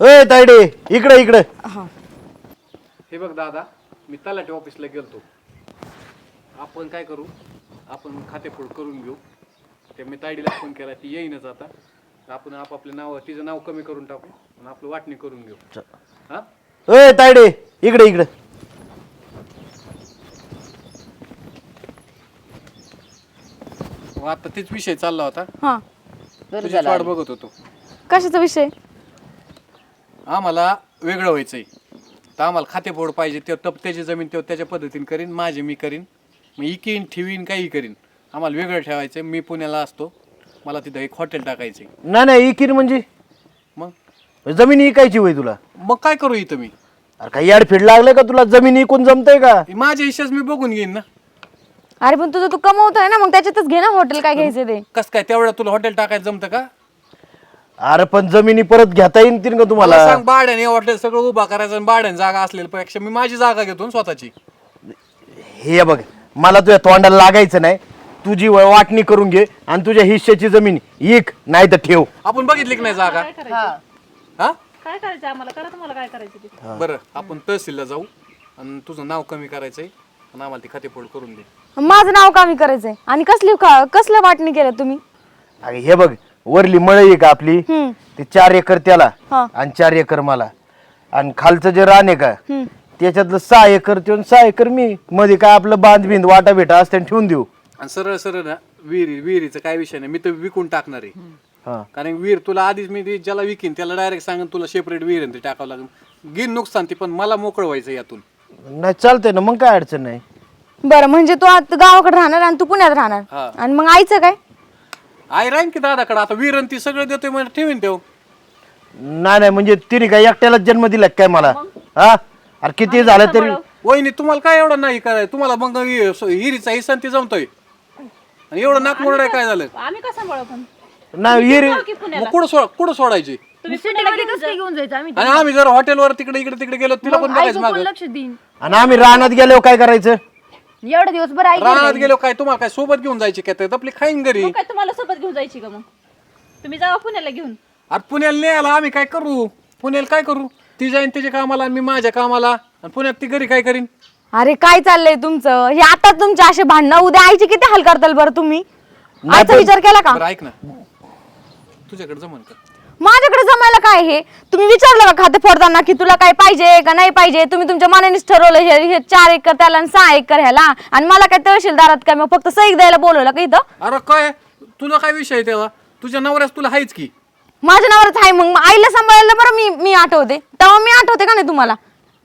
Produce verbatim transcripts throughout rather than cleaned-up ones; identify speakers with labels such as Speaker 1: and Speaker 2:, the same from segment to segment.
Speaker 1: ए तायडे इकडे इकडे.
Speaker 2: हे बघ दादा, मी तलाठी ऑफिसला गेलतो. आपण काय करू, आपण खातेफोड करून घेऊ. ते मी तायडीला फोन केला, ती येईनच आता. आपण आपापले नाव, तिचं नाव कमी करून टाकू आणि आपलं वाटणी करून घेऊ. हा
Speaker 1: ए तायडे इकडे इकडे.
Speaker 2: मग आता तेच विषय चालला होता.
Speaker 3: हा,
Speaker 2: तुझी वाट बघत होतो.
Speaker 3: कशाचा विषय?
Speaker 2: आम्हाला वेगळं व्हायचंय, तर आम्हाला खातेफोड पाहिजे. ते त्याची जमीन ते त्याच्या पद्धतीने करीन, माझी मी करीन, मग इकीन ठेवीन काही करीन. आम्हाला वेगळं ठेवायचं. मी पुण्याला असतो, मला तिथं एक हॉटेल टाकायचं.
Speaker 1: नाही नाही इकीर म्हणजे
Speaker 2: मग
Speaker 1: जमीन इकायची होय तुला?
Speaker 2: मग काय करू इथं मी?
Speaker 1: अरे काही याड फिड लागलं का तुला? जमीन इकून जमतंय का?
Speaker 2: माझ्या हिशेच मी बघून घेईन ना.
Speaker 3: अरे पण तुझं तू कमवतोय ना, मग त्याच्यातच घे ना हॉटेल. काय घ्यायचं ते?
Speaker 2: कस काय तेवढं तुला हॉटेल टाकायचं जमतं का?
Speaker 1: अरे पण जमिनी परत घेता येईल का तुम्हाला?
Speaker 2: मला सांग, भाड्याने हॉटेल सगळं उभा करायचं आणि भाड्याने जागा असलेल्या पेक्षा मी माझी जागा घेतो ना स्वतःची.
Speaker 1: हे बघ, मला तुझ्या तोंडाला लागायचं नाही. तुझी वाटणी करून घे आणि तुझ्या हिश्श्याची जमीन इक, नाही तर ठेव.
Speaker 2: आपण बघितली की नाही जागा? हा
Speaker 4: काय करायचं आम्हाला? करा तुम्हाला काय करायचं ते.
Speaker 2: बरं, आपण तहसीलला जाऊ आणि तुझं नाव कमी करायचंय आणि आम्हाला ती खातेफोड करून दे.
Speaker 3: माझं नाव कमी करायचंय आणि कसली कसल्या वाटणी केलं तुम्ही?
Speaker 1: अरे हे बघ, वरली मळई आहे का आपली,
Speaker 3: हम्म.
Speaker 1: ते चार एकर त्याला
Speaker 3: हा.
Speaker 1: आणि चार एकर मला. आणि खालचं जे रान आहे का
Speaker 3: हम्म.
Speaker 1: त्याच्यातलं सहा एकर ते आणि सहा एकर मी. मध्ये काय आपलं बांध बिंद वाटा भेटा असते ठेवून देऊ.
Speaker 2: आणि सरळ सरळ ना, विहिरी विहिरीचं काय विषय नाही, मी तर विकून टाकणार आहे.
Speaker 1: हा.
Speaker 2: कारण विहीर तुला आधीच मी ती ज्याला विकीन त्याला डायरेक्ट सांगून तुला सेपरेट विहीर ते टाकावं लागेल. घेईन नुकसान ती, पण मला मोकळं व्हायचं यातून.
Speaker 1: नाही चालतंय ना, मग काय अडचण नाही.
Speaker 3: बरं, म्हणजे तू आता गावाकडे राहणार आणि तू पुण्यात राहणार.
Speaker 2: हा.
Speaker 3: आणि मग आईचं काय?
Speaker 2: आई राहीन की दादाकडे. आता विहीर ती सगळं देतोय म्हणजे ठेवीन तेव.
Speaker 1: नाही नाही म्हणजे तिने काय एकट्यालाच जन्म दिला काय मला? हा. अरे किती झालं तरी.
Speaker 2: वहिनी तुम्हाला काय एवढं नाही करायचं? तुम्हाला मग हिरीचा हिस्सा ते जमतोय आणि एवढं नाक मोडणार काय झालं?
Speaker 4: आम्ही कसं सांभाळू पण?
Speaker 1: नाही विहीर
Speaker 2: मग कुठं सोड कुठं सोडायची?
Speaker 4: तुम्ही सिटीमध्ये कसं घेऊन जायचं? आम्ही
Speaker 2: आणि आम्ही जर हॉटेलवर तिकडे इकडे तिकडे गेलो तिला पण बघायचं मागं.
Speaker 4: लक्ष देईन.
Speaker 1: आणि आम्ही रानात गेलो काय करायचं?
Speaker 4: एवढे दिवस बरं आई
Speaker 2: रानात गेलो काय तुम्हाला काय सोबत घेऊन जायची काय? तर आपली खाईन घरी.
Speaker 4: काय तुम्हाला सोबत घेऊन जायची का? मग तुम्ही जावा पुण्याला घेऊन.
Speaker 2: अरे पुण्याला नाही आला आम्ही काय करू? पुण्याला काय करू? ती जाईन त्याच्या कामाला आणि मी माझ्या कामाला, आणि पुण्यात ती घरी काय करीन?
Speaker 3: अरे काय चाललंय तुमचं? हे आता तुमचे असे भांडणं, उद्या आईचे किती हाल करताल बरं तुम्ही? आईचा विचार केला का?
Speaker 2: बरं ऐक ना, तुझ्याकडे जमन का?
Speaker 3: माझ्याकडे जमायला काय? हे तुम्ही विचारलं का खाते फोडताना की तुला काय पाहिजे का नाही पाहिजे? तुम्ही तुमच्या मनानेच ठरवलं हे हे चार एकर त्याला आणि सहा एकर ह्याला, आणि मला काय तहसीलदारात काय मग फक्त सही द्यायला बोलवलं का इथं?
Speaker 2: अरे काय तुला काय विषय आहे तेव्हा? तुझ्या नवऱ्यास तुला हायच की.
Speaker 3: माझ्या नावावरच आहे. मग आईला सांभाळायला बरं मी मी आठवते, तेव्हा मी आठवते का नाही तुम्हाला?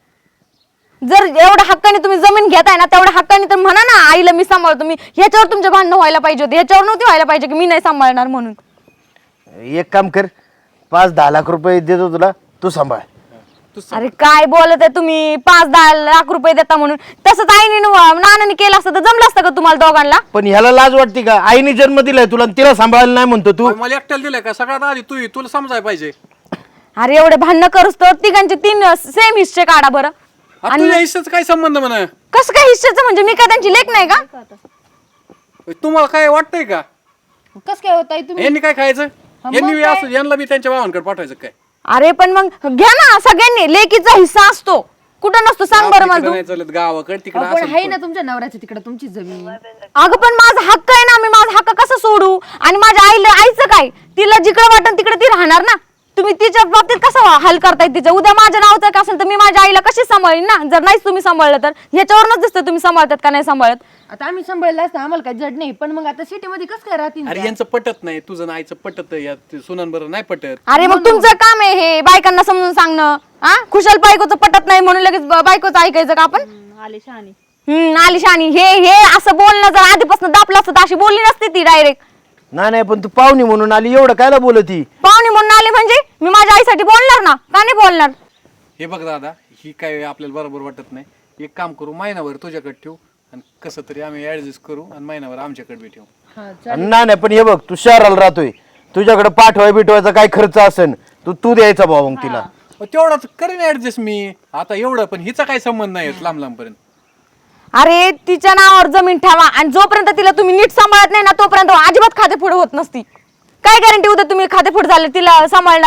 Speaker 3: जर एवढ्या हक्काने तुम्ही जमीन घेताय ना, तेवढ्या हक्काने तर म्हणा ना आईला मी सांभाळतो. मी ह्याच्यावर तुमचे भांडणं व्हायला पाहिजे होते, ह्याच्यावर नव्हती व्हायला पाहिजे की मी नाही सांभाळणार म्हणून.
Speaker 1: एक काम कर, पाच दहा लाख रुपये देतो तुला, तू सांभाळ.
Speaker 3: अरे काय बोलत आहे तुम्ही? पाच दहा लाख रुपये देता म्हणून? तसंच आईने न- नानाने केलं असतं तर जमलं असतं का तुम्हाला दोघांना?
Speaker 1: पण ह्याला लाज वाटते का? आईने जन्म दिलाय तुला आणि तिला सांभाळायला नाही म्हणतो तू?
Speaker 2: मला एकट्याला दिलंय का? सगळ्यात आधी तू तुला समजायला पाहिजे.
Speaker 3: अरे एवढे भांडणं करूस तर तिघांचे तीन सेम हिस्से काढा बरं.
Speaker 2: आता तुझ्या हिस्साचा काय संबंध म्हणा?
Speaker 3: कसं काय हिस्सेचं? म्हणजे मी काय त्यांची लेक नाही का?
Speaker 2: तुम्हाला काय वाटतंय का?
Speaker 4: कसं काय होत तुम्ही?
Speaker 2: यांनी काय खायचं? यांनी असं यांना बी त्यांच्या भावांकडे पाठवायचं काय?
Speaker 3: अरे पण मग घ्या ना सगळ्यांनी, लेकीचा हिस्सा असतो. कुठं नसतो सांग बरं मला तू?
Speaker 2: नाही चालत गावाकडे तिकडे
Speaker 4: पण आहे
Speaker 2: असं.
Speaker 4: ना तुमच्या नवऱ्याचं तिकडे तुमची जमीन.
Speaker 3: अगं पण माझा हक्क आहे ना, मी माझा हक्क कसं सोडू? आणि माझ्या आईला आईचं काय? तिला जिकडे वाटन तिकडे ती राहणार ना. तुम्ही तिच्या बाबतीत कसं हल करताय तिचं? उद्या माझ्या नावाचं का असेल तर मी माझ्या आईला कशी सांभाळीन ना? जर नाहीच तुम्ही सांभाळलं तर ह्याच्यावरूनच दिसतं तुम्ही सांभाळतात का नाही सांभाळत.
Speaker 4: आता आम्ही सांभाळलं असतं, आम्हाला काय जड नाही. पण मग आता सिटीमध्ये कसं काय राहतील?
Speaker 2: अरे यांचं पटत नाही, तुझं आईचं पटत यात सुनान बरं नाही पटत.
Speaker 3: अरे मग तुमचं काम आहे हे बायकांना समजून सांगणं. हा, खुशाल बायकोचं पटत नाही म्हणून लगेच ब- बायकोचं ऐकायचं का आपण?
Speaker 4: आले शहाणी.
Speaker 3: हम्म आलिशानी हे हे असं बोलणं जर आधीपासून दापलं असतं तर अशी बोलली नसती ती डायरेक्ट.
Speaker 1: नाही नाही पण तू पाहुणी म्हणून आली, एवढं कायला बोलती?
Speaker 3: पाहुणे म्हणून आली म्हणजे मी माझ्या आईसाठी बोलणार ना, का नाही बोलणार?
Speaker 2: हे बघ दादा, ही काय आपल्याला बरोबर वाटत नाही. एक काम करू, महिनाभर तुझ्याकडे ठेवू आणि कसं तरी आम्ही ऍडजस्ट करू आणि महिनाभर आमच्याकडे बी ठेवू.
Speaker 1: नाही नाही पण हे बघ, तू शहराला राहतोय, तुझ्याकडे पाठवाय बिठवायचा काय खर्च असेल तू तू द्यायचा भाऊ मग तिला.
Speaker 2: तेवढाच करेन ऍडजस्ट मी आता एवढं, पण हिचा काय संबंध नाही लांब लांब पर्यंत.
Speaker 3: अरे तिच्या नावावर जमीन ठेवा आणि जोपर्यंत तिला तुम्ही नीट सांभाळत नाही ना तोपर्यंत अजिबात खातेफोड होत नसती. काय गॅरंटी उद्या तुम्ही खातेफोड झाले तिला सांभाळणार नाही?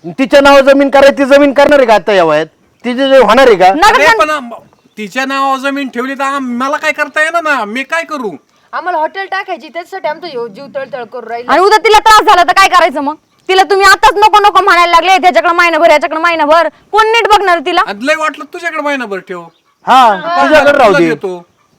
Speaker 1: तिच्या नाव जमीन करायची, ती जमीन करणार आहे का आता या वयात? तिचे जे होणार आहे का?
Speaker 2: अरे पण आम- तिच्या नावावर जमीन ठेवली तर आम- मला काय करता येणार ना, मी काय करू?
Speaker 4: आम्हाला हॉटेल टाकायची त्याच्यासाठी आमचं ह्यो जीव तळतळ करून राहील.
Speaker 3: आणि उद्या तिला त्रास झाला तर काय करायचं मग? तिला तुम्ही आताच नको नको म्हणायला लागले, त्याच्याकडे महिनाभर याच्याकडे महिनाभर, कोण नीट बघणार तिला?
Speaker 2: आणि लय वाटलं तुझ्याकडे महिनाभर ठेव,
Speaker 1: हा तुझ्याकडे राहू
Speaker 2: तुला
Speaker 1: दे.
Speaker 2: देतो.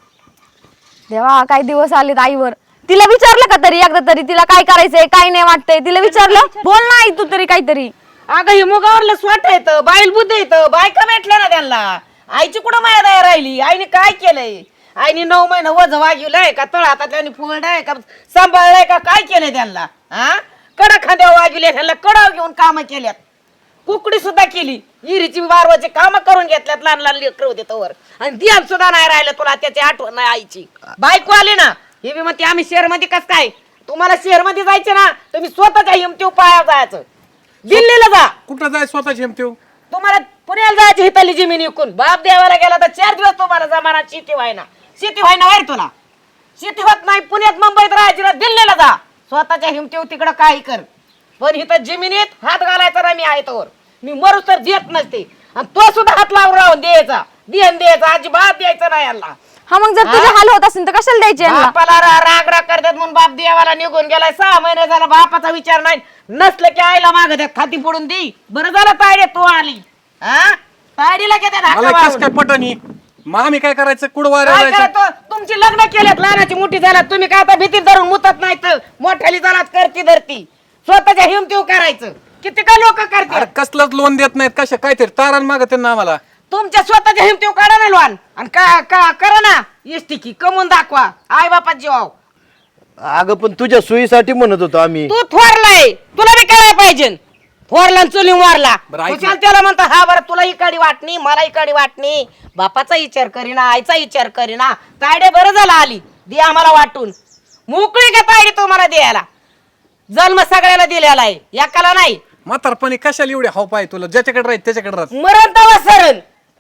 Speaker 3: देवा काय दिवस आलेत आईवर. तिला विचारलं का तरी एकदा तरी तिला काय करायचंय काय नाही वाटतंय? तिला विचारलं? बोल ना आई तू तरी काहीतरी.
Speaker 5: अगं हे मुगावरलं स्वट येतं, बाईल बुद्ध येतं, बायका भेटल्या ना त्यांना. आईची कुठं माया दया राहिली? आईने काय केलंय? आईने नऊ महिने वज वागिवलंय का, तळ हातातल्या फुलडाय का, सांभाळलाय का, काय केलंय त्यांना? हा कडा खांद्यावर वागिवले, त्यांना कडाव घेऊन कामं केल्यात, कुकडी सुद्धा केली, इरीची वारवाची कामं करून घेतल्यात, लहान लहान लेकर होते तोवर, आणि ध्यान सुद्धा नाही राहिलं तुला त्याची आठवण नाही आईची. बायको आली ना हे बी म्हणते आम्ही शहर मध्ये कस काय? तुम्हाला शहर मध्ये जायचे ना तुम्ही स्वतःच्या हिमतीव पाया जायचं, दिल्लीला जा.
Speaker 2: कुठं जाय स्वतःची हिमतीव?
Speaker 5: तुम्हाला पुण्याला जायची हिताली जमीन विकून बाप देवाला गेला तर चार दिवस तुम्हाला जमाना शेती व्हायना, शेती व्हायना वाईट तुला शेती होत नाही. पुण्यात मुंबईत राहायची ना दिल्लीला जा, स्वतःच्या हिमतीव तिकडं काही कर, पण इथं जमिनीत हात घालायचा ना मी आहे तोवर, मी मरू तर देत नसते. आणि तो सुद्धा हात लावून राहून द्यायचा, देण द्यायचा अजिबात द्यायचं नाही यांना.
Speaker 3: हा मग जर तुझे हाल होत असेल तर कशाला द्यायचे यांना?
Speaker 5: बापाला रा- राग राग करतात म्हणून बाप देवाला निघून गेलाय, सहा महिने झाला बापाचा विचार नाही, नसलं की आईला माग द्या खाती पडून दे. बरं झालं तायडे तू आली, हा तायडीला घेतात हाका
Speaker 2: मला कस
Speaker 5: वाळून.
Speaker 2: काय पटणी? मग आम्ही काय करायचं? कुठं वाऱ्या
Speaker 5: काय
Speaker 2: जायचं?
Speaker 5: करतो? तुमची लग्न केलेत, लहानाची मोठी झालात तुम्ही, काय आता भीती धरून मुतत नाही तर मोठ्याली झालात करती धरती, स्वतःच्या हिमतीव करायचं. किती का लोक
Speaker 2: अरे
Speaker 5: करतात,
Speaker 2: कसलंच लोन देत नाहीत, कशा काहीतरी तारण मागत ना आम्हाला.
Speaker 5: तुमच्या स्वतःच्या हिमतीव काढा ना लोन, आणि का का करा ना इष्टिकी कमवून दाखवा आई बापात जीवाव.
Speaker 1: अगं पण तुझ्या सोयीसाठी म्हणत होतो आम्ही.
Speaker 5: तू थोरलाय, तुला बी करायला पाहिजे. थोरला आणि चुली मारला,
Speaker 2: बरं, ऐक
Speaker 5: खुशाल त्याला म्हणता हा बरं तुला इकडे वाटणी मला इकडे वाटणी, बापाचा विचार करीना आईचा विचार करीना. तायडे बरं झालं आली, दे आम्हाला वाटून, मोकळी का तायडे तुम्हाला द्यायला, जन्म सगळ्याला दिलेला आहे एकाला नाही.
Speaker 2: म्हातारपणी कशाला एवढे हाव पाय तुला? ज्याच्याकडे राहील त्याच्याकडे राहत.
Speaker 5: मरण तवा सरण.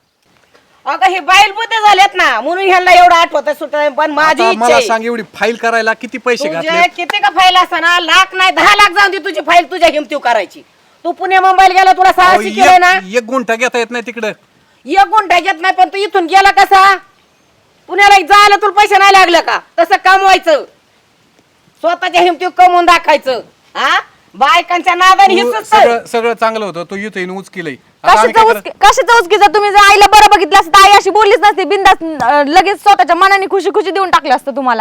Speaker 5: अगं हे बाईल बुद्ध झालेत ना म्हणून ह्यांना एवढं आठवत सुट, पण माझी
Speaker 2: आता
Speaker 5: इच्छा
Speaker 2: मला
Speaker 5: आहे.
Speaker 2: सांग, एवढी फाईल करायला किती पैसे
Speaker 5: तुझे
Speaker 2: घातले?
Speaker 5: किती का फाईल असताना लाख नाही दहा लाख जाऊन दे तुझी फाईल तुझ्या हिमतीव करायची. तू पुणे मुंबईला गेला तुला सहाशे केलंय ना,
Speaker 2: एक गुंठा घेता येत नाही तिकडं.
Speaker 5: एक गुंठा घेत नाही, पण तू इथून गेला कसा? पुण्याला जायला तुला पैसे नाही लागलं का? तसं कमवायचं, स्वतःच्या हिमतीव कमवून दाखायचं. हा बायकांच्या नादाने
Speaker 2: तू
Speaker 5: हिच
Speaker 2: सगळं सगळं चांगलं होतं, तू इथं येऊन उचकिलंय. आता आम्ही
Speaker 3: कशाचं
Speaker 2: काय
Speaker 3: उचकी कशाचं उचकी? जर तुम्ही जर आईला बरं बघितलं असतं आई अशी बोललीच नसती, बिंदास लगेच स्वतःच्या मनाने खुशी खुशी देऊन टाकलं असतं तुम्हाला.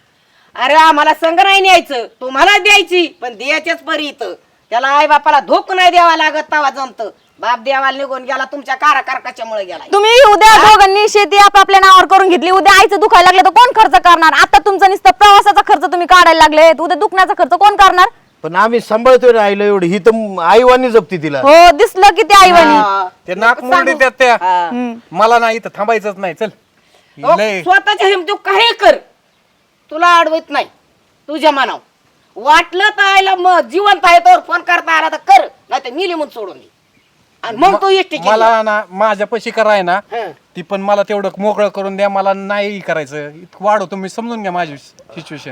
Speaker 5: अरे आम्हाला संग नाही न्यायचं, तुम्हाला द्यायची, पण द्यायच्याच परी इथं. त्याला आई बापाला धोक नाही द्यावा लागत, तवा जमत. बाप देवाला निघून गेला तुमच्या काराकारकाच्यामुळे गेला.
Speaker 3: तुम्ही उद्या दोघांनी शेती आपापल्या नावावर करून घेतली, उद्या आईचं दुखायला लागलं तर कोण खर्च करणार? आता तुमचा नुसतं प्रवासाचा खर्च तुम्ही काढायला लागले, उद्या दुखण्याचा खर्च कोण करणार?
Speaker 1: पण आम्ही सांभाळतोय राहिलं एवढी, ही तर आईवानी जपती तिला.
Speaker 3: हो दिसलं की ते आईवानी.
Speaker 5: हा.
Speaker 2: ते नाक मोडे त्यात त्या.
Speaker 5: हा.
Speaker 2: मला ना इथं थांबायचंच नाही. चल
Speaker 5: हो,
Speaker 2: लय
Speaker 5: स्वतःच्या हिमतीव काही कर, तुला अडवत नाही तुझ्या मनाव. वाटलं तर आयला मग जिवंत आहे तर फोन करता आला तर कर, नाही तर मी लिहून सोडून दे. आणि मग तू एकटी केली.
Speaker 2: मला ना माझ्या पशी कराय ना
Speaker 5: हं.
Speaker 2: ती पण मला तेवढं मोकळं करून द्या, मला नाही करायचं. इतकं वाढव तुम्ही, समजून घ्या माझी सिच्युएशन.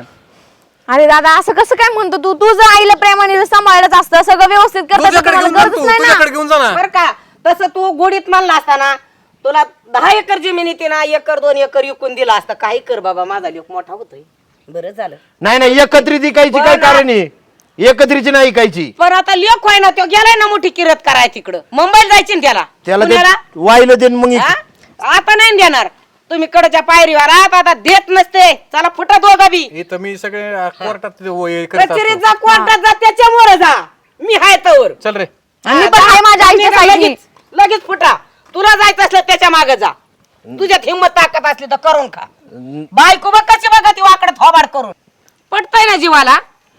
Speaker 3: अरे दादा असं कसं काय म्हणतो तू? तुझं आईला प्रेमाने जर सांभाळत असतं, सगळं व्यवस्थित करत असतं,
Speaker 2: तुझ्याकडे
Speaker 3: तुम्हाला
Speaker 2: घेऊन जा
Speaker 3: गरजच
Speaker 2: तू,
Speaker 3: नाही ना.
Speaker 2: तुझ्याकडे घेऊन जा ना.
Speaker 5: बर का, तसं तू गोडीत मानला असताना तुला दहा एकर जमीन येते ना, एकर दोन एकर विकून दिला असता. काही कर बाबा, माझा लोक मोठा होतोय, बरं झालं.
Speaker 1: नाही नाही एकत्रित इकायची काय
Speaker 5: बरं ना.
Speaker 1: कारण आहे? एकत्रीची नाही इकायची.
Speaker 5: पण आता लेख व्हाय ना, तो गेलाय ना मोठी किरत कराय तिकडं, मुंबईला जायची ना त्याला.
Speaker 1: त्याला ते
Speaker 5: पुण्याला?
Speaker 1: वाहिलं देन मग
Speaker 5: हा? आता नाही देणार तुम्ही कडच्या पायरीवर आहात, आता देत नसते. चला फुटा दोघा बी,
Speaker 2: इथं मी सगळे कोर्टात हे करत
Speaker 5: कचेरीत
Speaker 2: असतो.
Speaker 5: जा, कोर्टात जा, त्याच्यामुळे जा. मी हाय तवर.
Speaker 2: चल रे.
Speaker 3: आणि मी पण आहे माझ्या आईच्या
Speaker 5: तुम्ही
Speaker 3: साईडनी.
Speaker 5: लगेच लगेच फुटा. तुला जायचं असलं त्याच्या मागे जा, तुझ्यात हिंमत ताकद असली तर करून खा. बायको बघ कशी बघा ती वाकड थोबाड करून, पटतय ना जीवाला?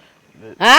Speaker 5: हा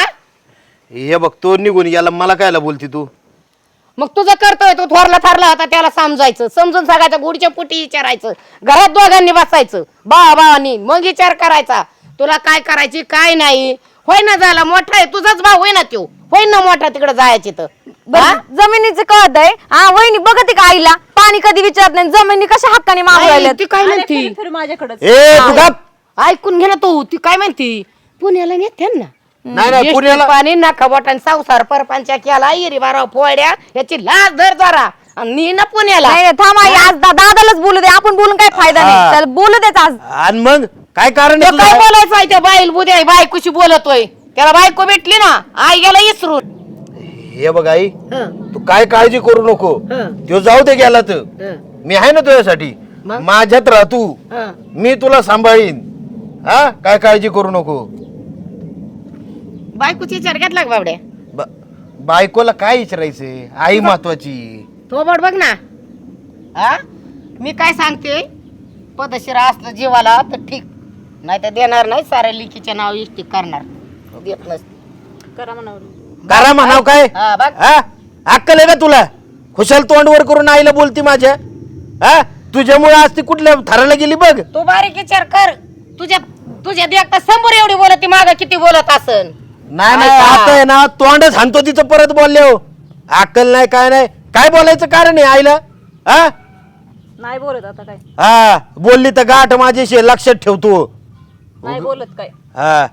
Speaker 1: हे बघ तो निघून याला मला कायला बोलती तू?
Speaker 5: मग तुझं करतोय, तू थोरला थरला होता त्याला समजायचं, समजून सांगायचं, गुडच्या पुटी विचारायचं, घरात दोघांनी बसायचं भावा भावानी, मग विचार करायचा तुला काय करायची काय नाही. होय ना, झाला मोठा आहे तुझाच भाऊ, होय ना त्यो, होय ना मोठा तिकडे जायची तर.
Speaker 3: बरं, जमिनीचं कळत आहे हा? वहिनी बघते का आईला? पाणी कधी विचारत नाही, जमिनी कशा हक्काने मागू
Speaker 5: नाही,
Speaker 3: राहिल्यात?
Speaker 5: ती काय म्हणती
Speaker 3: माझ्याकडे
Speaker 1: ए तू गप.
Speaker 5: ऐकून घे ना तू, ती काय म्हणती पुण्याला नेते ना
Speaker 1: नाही नाही
Speaker 5: इष्ट
Speaker 1: पुण्याला
Speaker 5: पाणी नका बोटाने संसार परपंचा केला इरी बारा पोळ्या याची लाज धर जरा आणि नी ना पुण्याला
Speaker 3: नाही नाही, थांब आई आज दा- दादालाच बोलू दे आपण बोलून काय फायदा
Speaker 1: हा.
Speaker 3: नाही चल बोलू देच आज
Speaker 1: आणि मग काय कारण आहे
Speaker 5: तो काय
Speaker 1: तुझं?
Speaker 5: बोलायचं आहे त्या बाईल बुद्या बायकोशी बोलतोय त्याला बायको भेटली ना आई गेला इसरून
Speaker 1: हे बघ आई
Speaker 5: हं,
Speaker 1: तू काय काळजी करू नको
Speaker 5: हं,
Speaker 1: तो जाऊ दे गेला तर
Speaker 5: हं,
Speaker 1: मी आहे ना तुझ्यासाठी
Speaker 5: मग?
Speaker 1: माझ्यात राह तू
Speaker 5: हं.
Speaker 1: मी तुला सांभाळीन हा काय काळजी करू नको
Speaker 5: बायकोची विचार घेतला का बाबड्या
Speaker 1: ब- बायकोला काय विचारायचंय आई महत्वाची
Speaker 5: तो बड बघ ना हा मी काय सांगते पदशीर असलं जीवाला तर ठीक नाही तर देणार नाही साऱ्या लिखीचे नाव इष्टिक करणार देत नसते
Speaker 3: करा म्हणावं.
Speaker 1: करा म्हणाव काय
Speaker 5: हा बघ
Speaker 1: हा अक्कल आहे का तुला खुशाल तोंडवर करून आईला बोलती माझ्या हा तुझ्यामुळे आज ती कुठल्या थराला गेली बघ
Speaker 5: तू बारीक विचार कर तुझ्या तुझ्या देखता समोर एवढी बोलत माग किती बोलत असन
Speaker 1: नाही नाही आता आहे ना तोंडच हाणतो तिचं परत बोलले हो अक्कल नाही काय नाही काय बोलायचं कारण आहे आईला हा
Speaker 3: नाही बोलत आता काय
Speaker 1: हा बोलली तर गाठ माझ्याशी लक्षात ठेवतो
Speaker 3: नाही बोलत काय
Speaker 1: हा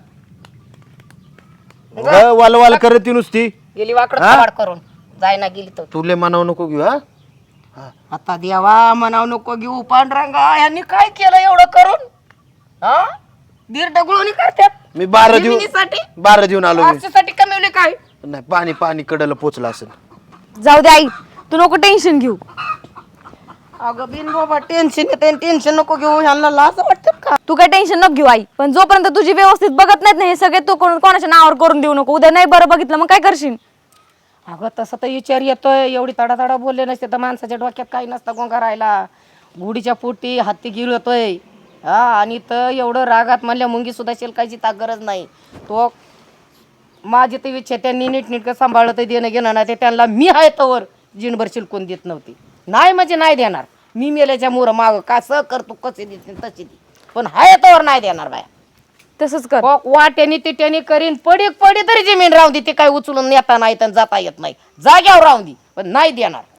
Speaker 1: उगा वालवाल करत ती नुसती
Speaker 5: गेली वाकड
Speaker 1: हा?
Speaker 5: थोबाड करून जायना गेली तर
Speaker 1: तुले म्हणावं नको घेऊ हा
Speaker 5: आता देवा म्हणाव नको घेऊ पांढरंगा यांनी काय केलं एवढं करून हा दीर डगळून करतात
Speaker 1: मी बारा देऊ
Speaker 5: जमिनीसाठी?
Speaker 1: बारा देऊन आलो मी
Speaker 5: आरशासाठी कमवले काय
Speaker 1: नाही पाणी पाणी कडला पोचला असेल
Speaker 3: जाऊ दे आई तू नको टेन्शन घेऊ
Speaker 5: अगं बिन बाबा टेन्शन येते टेन्शन नको घेऊ ह्यांना लाज वाटत का
Speaker 3: तू काय टेन्शन नको घेऊ आई पण जोपर्यंत तुझी व्यवस्थित बघत नाहीत ना हे सगळे तू कोण- कोणाच्या नावावर करून देऊ नको उद्या नाही बरं बघितलं मग काय करशील
Speaker 5: अगं तसं तर विचार येतोय एवढी तडा तडा बोलले नसते तर माणसाच्या डोक्यात काही नसतं गोंगा राहायला गुढीच्या पोटी हत्ती गिळतोय हा आणि तर एवढं रागात म्हणल्या मुंगी सुद्धा शिलकायची ता गरज नाही तो माझी तर इच्छा त्यांनी नीटनीटकं सांभाळलं तर देणं घेणं नाही ते त्यांना मी आहे तवर जिणभर शिलकून देत नव्हती नाही म्हणजे नाही देणार मी मेल्याच्या मोर माग कसं करतो कसे देते तशी दे पण हाय तवर नाही देणार बाया
Speaker 3: तसंच कर
Speaker 5: वा- वाट्यानी तिट्यानी करीन पडी पडी तरी जमीन राहून दे ते काय उचलून नेता नाही तर जाता येत नाही जाग्यावर राहून दे पण नाही देणार